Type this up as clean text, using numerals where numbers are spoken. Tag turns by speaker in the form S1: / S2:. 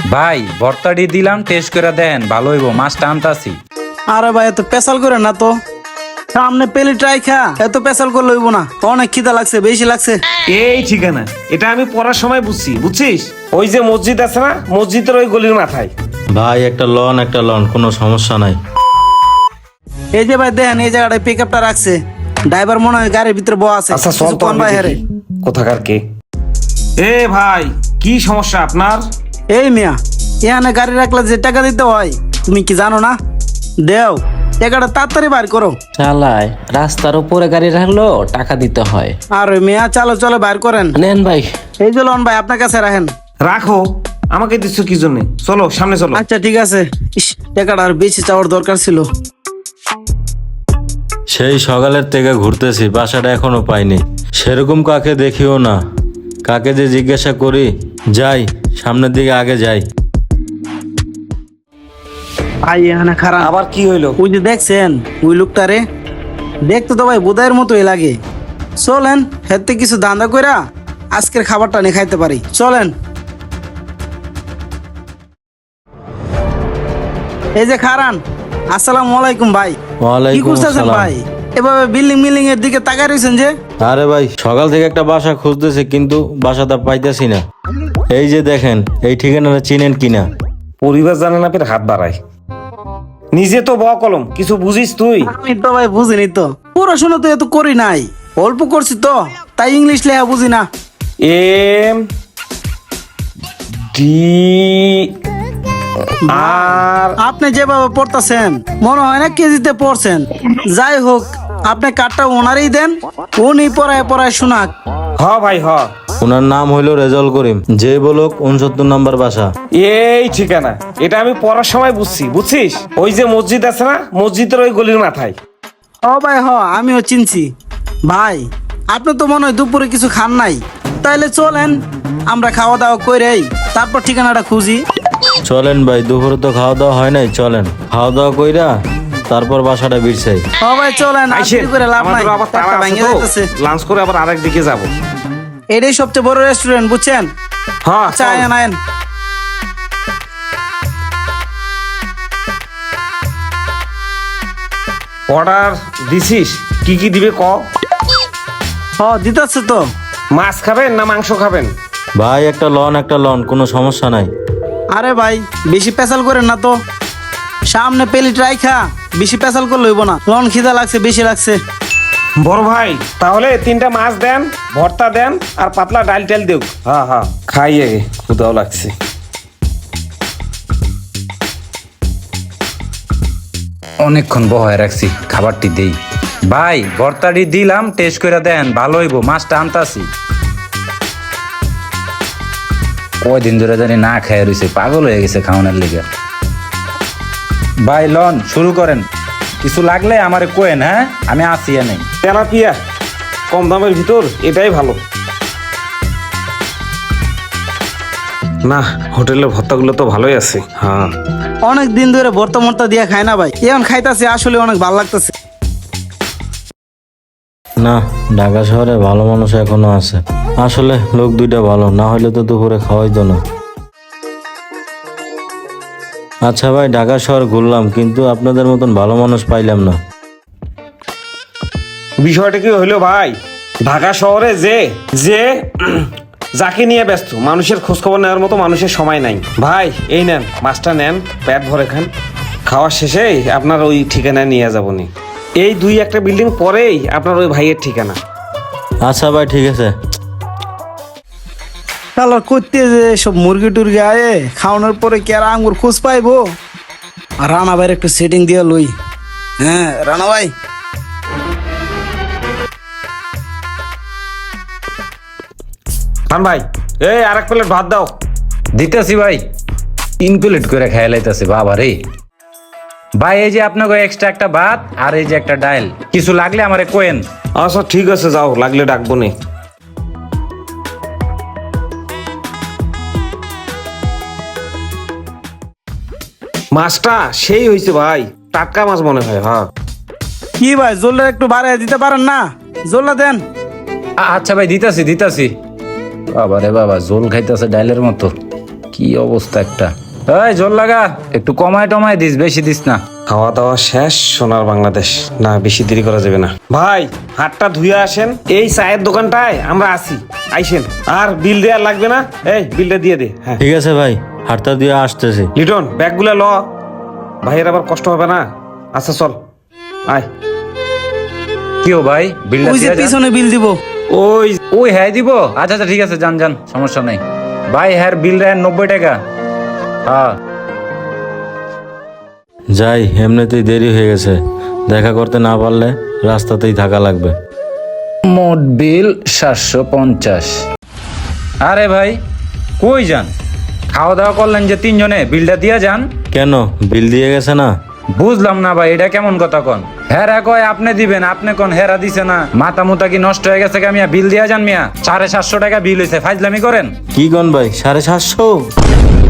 S1: ভাই ভর্তাটি দিলাম, টেস্ট করে দেন, ভালো হইব, মাছটা আনতাছি।
S2: আরে ভাই এত পেশাল করে না তো, সামনে পেলে ট্রাই খা, এত পেশাল করলে হইব না, অনেক খিদা লাগছে, বেশি লাগছে।
S3: এই ঠিকানা এটা আমি পড়ার সময় বুঝছি, বুঝছিস? ওই যে মসজিদ আছে না, মসজিদের ওই গলির মাথায়।
S4: ভাই একটা লন, কোনো সমস্যা নাই।
S2: এই যে ভাই দেখেন এই জায়গাটায় পিক আপটা রাখছে, ড্রাইভার মনে হয় গাড়ির ভিতরে বসা আছে।
S3: আচ্ছা চল
S2: কিছু
S3: তো
S2: কোন
S3: আমি
S2: ভাই হেরে
S3: দেখি কোথাকার কে। এ ভাই কি সমস্যা আপনার?
S2: এই মিয়া, এখানে গাড়ি রাখলে যে টাকা দিতে হয় তুমি কি জানো না? দেও টাকাটা তাড়াতাড়ি বার করো।
S5: চালায় রাস্তার উপরে গাড়ি রাখলো টাকা দিতে হয়।
S2: আর ওই মিয়া চলো চলো বার করেন।
S5: নেন ভাই।
S2: এই যে লন ভাই আপনার কাছে রাখেন।
S3: রাখো, আমাকে দিচ্ছ কি জন্য? চলো সামনে চলো।
S2: আচ্ছা ঠিক আছে। ইস, টাকাটা আর বেশি চাওয়ার দরকার ছিল।
S4: সেই সকালের থেকে ঘুরতেছি, বাসাটা এখনো পাইনি। সেরকম কাকে দেখিও না, কাকে যে জিজ্ঞাসা করি। যাই সামনের দিকে আগে যাই।
S2: ভাই এখানে খারাপ।
S3: আবার কি হইলো?
S2: ওই যে দেখছেন ওই লোকটারে, দেখতে তো ভাই বোধাইয়ের মতোই লাগে। চলেন হেতে কিছু দান্দা কইরা আজকের খাবারটা নিয়ে খাইতে পারি, চলেন। এই যে খারান, আসসালামু আলাইকুম ভাই। কি
S4: ওয়ালাইকুম
S2: করতেছেন
S4: আসসালাম।
S2: ভাই? এভাবে বিল্ডিং মিল্ডিং এর দিকে তাকায় রয়েছেন যে?
S4: আরে ভাই সকাল থেকে একটা বাসা খুঁজতেছি, কিন্তু বাসাটা পাইতেছি না। এই যে দেখেন, এই ঠিকানাটা চিনেন কিনা?
S3: পরিবার জানে না ফের হাত বাড়ায়। নিজে তো ব কলম, কিছু বুঝিস তুই?
S2: আমি তো ভাই বুঝিনি তো, পড়াশোনা তো এত করি নাই, অল্প করছি তো, তাই ইংলিশ লেখা বুঝি না।
S3: এম ডি আর
S2: আপনি যেভাবে পড়তেছেন মনে হয় না কেজিতে পড়ছেন। যাই হোক, আপনি কার্ডটা ওনারই দেন, উনি পড়ায় পড়ায় শোনাক।
S3: হ ভাই হ।
S4: ওনার নাম হইল রেজাউল করিম, যে বলক 69 নম্বর বাসা।
S3: এই ঠিকানা এটা আমি পড়ার সময় বুঝছি, বুঝছিস? ওই যে মসজিদ আছে না, মসজিদের ওই গলির মাথায়।
S2: ও ভাই হ, আমিও চিনছি। ভাই আপনি তো মনে হয় দুপুরে কিছু খান নাই, তাইলে চলেন আমরা খাওয়া দাওয়া করেই তারপর ঠিকানাটা খুঁজি।
S4: চলেন ভাই, দুপুরে তো খাওয়া দাওয়া হয় নাই, চলেন খাওয়া দাওয়া কইরা তারপর বাসাটা বিরছাই।
S2: ও ভাই চলেন, আর
S3: আইসেন,
S2: দেরি করে লাভ নাই,
S3: আমাদের আবার তাড়া
S2: পেটটা
S3: আছে
S2: ভেঙে
S3: তো,
S2: যাইতেছে।
S3: লাঞ্চ করে আবার আরেক দিকে যাব।
S2: এটাই সবচেয়ে বড় রেস্টুরেন্ট, বুঝছেন?
S3: হ্যাঁ
S2: চাই আনেন।
S3: অর্ডার দিছিস? কি কি দিবে ক?
S2: হ দিতেছে তো।
S3: মাছ খাবেন না মাংস খাবেন?
S4: ভাই একটা লন, কোনো সমস্যা নাই।
S2: আরে ভাই বেশি পেশাল করেন না তো, সামনে পেলি ট্রাই খা, বেশি পেশাল করলে হইব না। লন খিদা লাগছে, বেশি লাগছে।
S3: বড় ভাই তাহলে 3টা মাছ দেন, ভর্তা দেন, আর পাতলা ডাল টাল দেও। হ্যাঁ হ্যাঁ খাই আগে, ক্ষুধাও লাগছে।
S1: অনেকক্ষণ বহায় রাখছি, খাবারটি দেই। ভাই ভর্তাটি দিলাম, টেস্ট করে দেন, ভালো হইব, মাছটা আনতাছি। কয়দিন ধরে জানি না খেয়ে রয়েছে, পাগল হয়ে গেছে খাওয়ানোর লেগে। ভাই লন শুরু করেন, কিছু লাগলে আমারে কোয়েন, হ্যাঁ আমি আসি নেই।
S3: তেলাপিয়া কম দামের ভিতর এটাই ভালো। না হোটেলের ভর্তাগুলো তো ভালোই আছে। হ্যাঁ
S2: অনেক দিন ধরে ভর্তা মর্তা দিয়া খায় না ভাই, এখন খাইতাছে, আসলে অনেক ভালো লাগতেছে।
S4: না, ঢাকা শহরে ভালো মানুষ এখনো আছে। আসলে লোক দুইটা ভালো, না হলে তো দুপুরে খাওয়াইতো না। আচ্ছা ভাই, ঢাকা শহর ঘুরলাম, কিন্তু আপনাদের মতন ভালো মানুষ পাইলাম না।
S3: বিষয়টা কি হইলো ভাই, ঢাকা শহরে যে যে যাকে নিয়ে ব্যস্ত, মানুষের খোঁজখবর নেওয়ার মতো মানুষের সময় নাই। ভাই এই নেন মাছটা নেন, পেট ভরে খান, খাওয়ার শেষে আপনার ওই ঠিকানায় নিয়ে যাবো নি। এই 2-1টা বিল্ডিং পরেই আপনার ওই ভাইয়ের ঠিকানা।
S4: আচ্ছা ভাই ঠিক আছে।
S2: কালার করতে যে সব মুরগি টুরগি আয়ে খাওয়ানোর পরে কি আর আঙ্গুর খোঁজ পাইবো? আর রানা ভাইয়ের একটু সেটিং দিয়ে লই। হ্যাঁ রানা ভাই,
S3: খান ভাই, এই আরেক প্লেট ভাত দাও।
S1: দিতেছি ভাই, 3 প্লেট করে খেয়ে লাইতেছে বাবা রে। ভাই এই যে আপনাকে এক্সট্রা একটা ভাত আর এই যে একটা ডাল, কিছু লাগলে আমারে কোয়েন।
S3: আচ্ছা ঠিক আছে, যাও, লাগলে ডাকবো নে। মাছটা সেই হয়েছে ভাই, টাটকা মাছ মনে হয়। হ্যাঁ
S2: কি ভাই জোলটা একটু বাড়ায় দিতে পারেন না? জোলটা দেন।
S1: আচ্ছা ভাই দিতাছি। বাবা রে বাবা, জোল খাইতেছে ডাইলের মতো, কি অবস্থা একটা। এই জোর লাগা, একটু কমায় টমায় দিস, বেশি দিস না।
S3: খাওয়া দাওয়া শেষ, সোনার বাংলাদেশ। না, বেশি দেরি করা যাবে না। ভাই হাতটা ধুয়ে আসেন, এই চায়ের দোকানটায় আমরা আসি, আইসেন। আর বিল দেওয়ার লাগবে না, এই বিলটা দিয়ে দে। হ্যাঁ
S4: ঠিক আছে ভাই, হাটটা দিয়ে আসতেছি।
S3: লিটন, ব্যাগগুলো ল, ভাইয়ের আবার কষ্ট হবে না। আচ্ছা চল, আয়।
S1: কি ও ভাই, বিলটা
S2: ওই যে
S1: দিয়ে যান।
S2: পিছনে বিল দিব।
S3: ওই
S1: ওই হ্যাঁ দিব। আচ্ছা আচ্ছা ঠিক আছে, যান যান, সমস্যা নাই ভাই। হ্যাঁ বিল দেন 90 টাকা। হ্যাঁ
S4: যাই, এমনিতেই দেরি হয়ে গেছে, দেখা করতে না পারলে রাস্তাতেই থাকা লাগবে।
S1: মোট বিল 750। আরে ভাই কই যান? খাওয়া দাওয়া করলেন যে তিনজনে, বিলটা দিয়ে যান।
S4: কেন, বিল দিয়ে গেছে না?
S1: বুঝলাম না ভাই, এটা কেমন কথা কন? হেরা কয় আপনি দিবেন, আপনি কোন হেরা দিছে না? মাথা মুতা কি নষ্ট হয়ে গেছে? মিয়া বিল দিয়া যান মিয়া। 750 টাকা বিল হয়েছে, ফাইজলামি করেন।
S4: কি গন ভাই, 750?